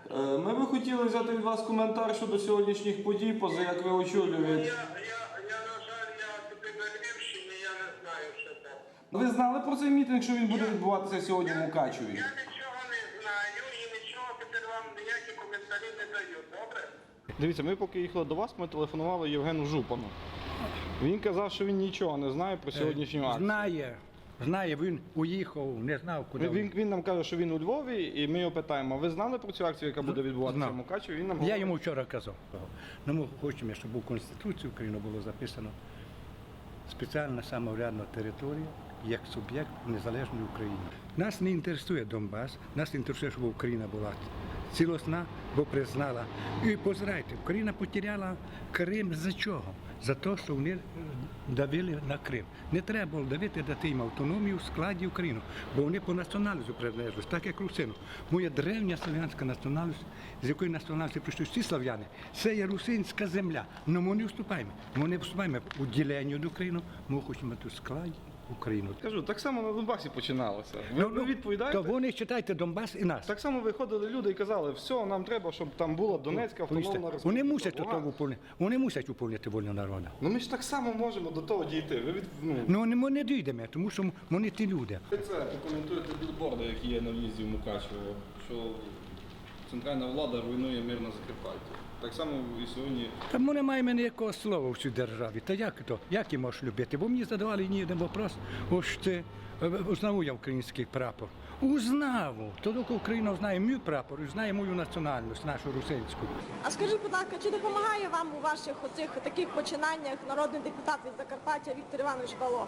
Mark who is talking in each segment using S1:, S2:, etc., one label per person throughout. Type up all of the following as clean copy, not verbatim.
S1: Ми би хотіли взяти від вас коментар щодо сьогоднішніх подій, поза як ви очолюєте.
S2: На жаль, я тепер на Львівщині, я не знаю, що там.
S1: Ви знали про цей мітинг, що він буде відбуватися сьогодні в Мукачеві?
S2: Я нічого не знаю і нічого тепер вам ніякі коментарі не даю, добре?
S1: Дивіться, ми поки їхали до вас, ми телефонували Євгену Жупану. Він казав, що він нічого не знає про сьогоднішню акцію.
S3: Знає, він уїхав, не знав, куди.
S1: Він нам каже, що він у Львові, і ми його питаємо, ви знали про цю акцію, яка буде відбуватися в Мукачеві? Він нам
S3: Я йому вчора казав. Ми хочемо, щоб у Конституції України було записано спеціальна самоврядна територія як суб'єкт незалежної України. Нас не інтересує Донбас, нас інтересує, щоб Україна була цілісна, бо признала. І позирайте, Україна потеряла Крим за чого? За те, що вони давили на Крим. Не треба було давити, дати їм автономію в складі України, бо вони по національності приналежать, так як русину. Моя древня слав'янська національність, з якої національності прийшли всі слав'яни, це є русинська земля. Але ми не вступаємо. Ми не вступаємо у ділення до України, ми хочемо в складі Україну.
S1: Кажу, так само на Донбасі починалося. Ви відповідаєте?
S3: То вони читайте Донбас і нас.
S1: Так само виходили люди і казали, все, нам треба, щоб там була Донецька автономна республіка.
S3: Вони мусять до того виповнити. Вони мусять виповнити волю народу.
S1: Ну ми ж так само можемо до того дійти.
S3: Ну ми не дійдемо, тому що вони ті люди.
S1: Ви це прокоментуєте білборди, які є на в'їзді в Мукачево, що центральна влада руйнує мир на Закарпатті. Так само і сьогодні.
S3: Та ми не маємо ніякого слова в цій державі. Та як то? Як її можеш любити? Бо мені задавали ні один вопрос. Ось це узнав я український прапор. Узнав. Тоді Україна знає мій прапор і знає мою національність, нашу русинську.
S4: А скажіть, будь ласка, чи допомагає вам у ваших оцих таких починаннях народний депутат від Закарпаття Віктор Іванович Балога?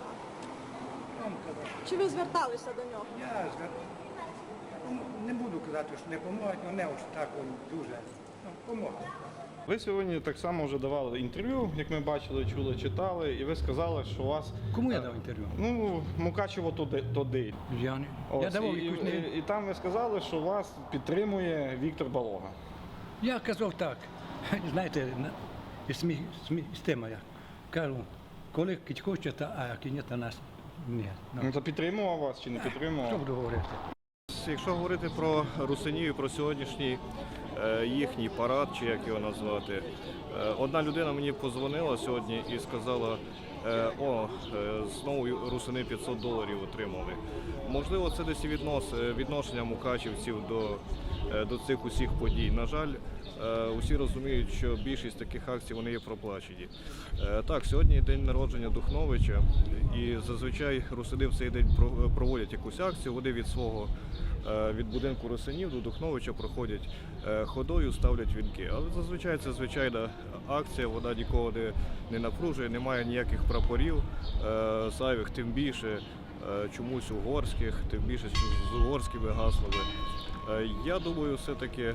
S4: Чи ви зверталися до нього?
S3: Я не буду казати, що не допомагають, але не ось так дуже допомагають.
S1: Ви сьогодні так само вже давали інтерв'ю, як ми бачили, чули, читали, і ви сказали, що у вас...
S3: Кому я дав інтерв'ю?
S1: Ну, Мукачево туди.
S3: Я не. Я
S1: Ось,
S3: давав якусь не...
S1: і там ви сказали, що вас підтримує Віктор Балога.
S3: Я казав так. Знаєте, з тема я кажу, коли хочете, а як ні, то нас ні.
S1: Ну, то підтримував вас чи не підтримував?
S3: Що буду говорити?
S5: Якщо говорити про русинів, про сьогоднішній їхній парад, чи як його назвати, одна людина мені подзвонила сьогодні і сказала, знову русини $500 отримали. Можливо, це десь відношення мукачівців до цих усіх подій. На жаль, усі розуміють, що більшість таких акцій вони є проплачені. Так, сьогодні день народження Духновича, і зазвичай русини в цей день проводять якусь акцію, вони від будинку русинів до Духновича проходять ходою, ставлять вінки. Але зазвичай це звичайна акція, вона нікого не напружує, немає ніяких прапорів зайвих, тим більше чомусь угорських, тим більше з угорськими гаслами. Я думаю, все-таки,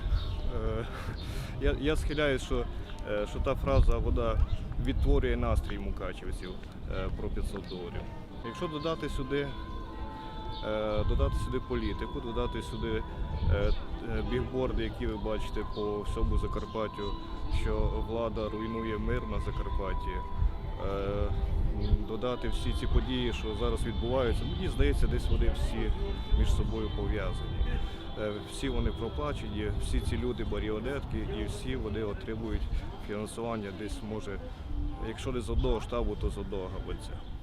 S5: я схиляюсь, що та фраза, вона відтворює настрій мукачівців про $500. Якщо додати сюди політику, додати сюди бігборди, які ви бачите по всьому Закарпаттю, що влада руйнує мир на Закарпатті, додати всі ці події, що зараз відбуваються, мені здається, десь вони всі між собою пов'язані. Всі вони проплачені, всі ці люди маріонетки і всі вони отримують фінансування десь, може, якщо не з одного штабу, то з одного гаманця.